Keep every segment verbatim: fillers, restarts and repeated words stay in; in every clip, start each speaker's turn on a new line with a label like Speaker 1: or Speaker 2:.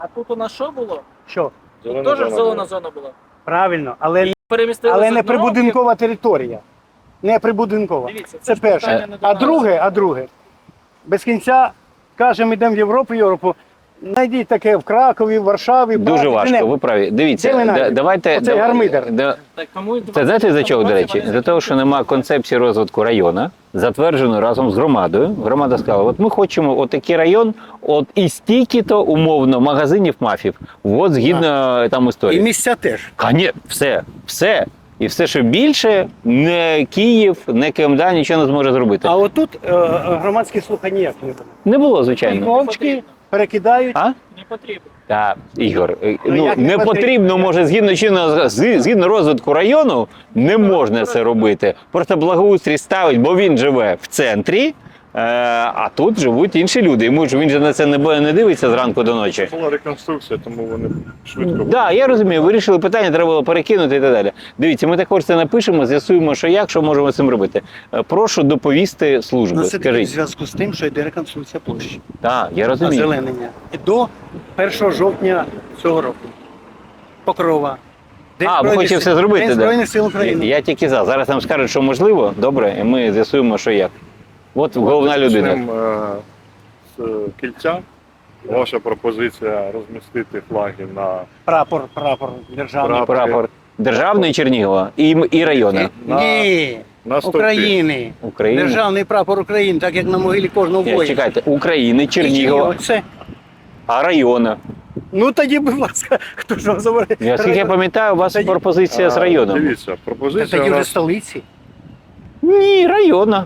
Speaker 1: А тут у нас що було?
Speaker 2: Що?
Speaker 1: Тут
Speaker 3: Зелена
Speaker 1: теж
Speaker 3: зона
Speaker 1: зелена
Speaker 3: була.
Speaker 1: зона була.
Speaker 2: Правильно, але,
Speaker 1: І перемістили
Speaker 2: але
Speaker 1: з
Speaker 2: не
Speaker 1: одного,
Speaker 2: прибудинкова територія. Не прибудинкова.
Speaker 1: Дивіться,
Speaker 2: Це
Speaker 1: ж питання
Speaker 2: перше.
Speaker 1: не до
Speaker 2: А
Speaker 1: нас.
Speaker 2: друге, а друге. Без кінця кажемо, йдемо в Європу, Європу. Знайдіть таке в Кракові, в Варшаві. в
Speaker 4: Дуже
Speaker 2: Прагі,
Speaker 4: важко,
Speaker 2: де-небудь.
Speaker 4: ви праві.
Speaker 2: Де
Speaker 4: Дивіться,
Speaker 2: ви
Speaker 4: да-
Speaker 2: знайдете?
Speaker 4: давайте...
Speaker 2: Оцей
Speaker 4: да-
Speaker 2: гармидер.
Speaker 4: да-
Speaker 1: Так, кому
Speaker 4: Це знаєте за чого, до речі? За того, що немає концепції розвитку району, затвердженої разом з громадою. Громада сказала, от ми хочемо отакий район, от і стільки-то умовно магазинів мафів. От згідно там
Speaker 2: І
Speaker 4: історії.
Speaker 2: місця теж.
Speaker 4: А ні, все, все. І все, що більше, не Київ, не КМДА нічого не зможе зробити.
Speaker 2: А отут е, громадські слухання ніяк не було.
Speaker 4: Не було, звичайно.
Speaker 2: Мовчки перекидають.
Speaker 4: А?
Speaker 1: Не потрібно.
Speaker 4: Так, Ігор, е,
Speaker 2: Ну,
Speaker 4: ну
Speaker 2: як не
Speaker 4: не
Speaker 2: потрібно?
Speaker 4: потрібно, може, згідно чинного з- згідно розвитку району, не можна це робити. Просто благоустрій ставить, бо він живе в центрі, е, а тут живуть інші люди. Йому ж він же на це не бо- не дивиться зранку до ночі.
Speaker 3: Була реконструкція, тому вони швидко.
Speaker 4: Так, да, я розумію, вирішили питання, треба було перекинути і так далі. Дивіться, ми також це напишемо, з'ясуємо, що як, що можемо з цим робити. Е, Прошу доповісти служби.
Speaker 2: Ну, це таки в
Speaker 4: Скажіть.
Speaker 2: зв'язку з тим, що йде реконструкція площі.
Speaker 4: Так, я розумію.
Speaker 2: Озеленення. І до першого жовтня цього року. Покрова. День
Speaker 4: А, ви
Speaker 2: Збройних
Speaker 4: хочете
Speaker 2: Сил-
Speaker 4: все зробити,
Speaker 2: День
Speaker 4: да?
Speaker 2: Збройних сил України.
Speaker 4: Я тільки за. Зараз нам скажуть, що можливо, добре, і ми з'ясуємо, що як. От головна людина.
Speaker 3: Почнемо, е, з кільця. Ваша пропозиція розмістити флаги на
Speaker 2: Прапор, прапор державний.
Speaker 3: Прапор.
Speaker 4: Прапор державний Чернігова і, м- і району
Speaker 3: на-
Speaker 2: Ні,
Speaker 3: на стовпі.
Speaker 2: України.
Speaker 4: України.
Speaker 2: Державний прапор України, так як на могилі кожного
Speaker 4: Ні,
Speaker 2: воїна.
Speaker 4: чекайте, України, Чернігова,
Speaker 2: Це.
Speaker 4: а району.
Speaker 2: Ну тоді, будь ласка, хто ж вам забере?
Speaker 4: Я скільки я пам'ятаю, у вас
Speaker 2: Тоді-
Speaker 4: пропозиція з
Speaker 3: А,
Speaker 4: районом.
Speaker 3: Дивіться,
Speaker 2: Та
Speaker 3: пропозиція
Speaker 2: тоді
Speaker 3: у
Speaker 2: вже
Speaker 3: нас,
Speaker 2: столиці.
Speaker 4: Ні, району.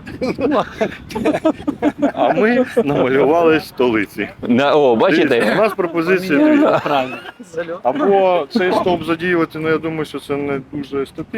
Speaker 3: а ми намалювали столиці.
Speaker 4: На- О,
Speaker 3: Дивіться, у
Speaker 4: бачите?
Speaker 3: нас пропозиція дві.
Speaker 2: Правильно.
Speaker 1: Зальот.
Speaker 3: Або цей стовп задіювати, ну я думаю, що це не дуже естетично.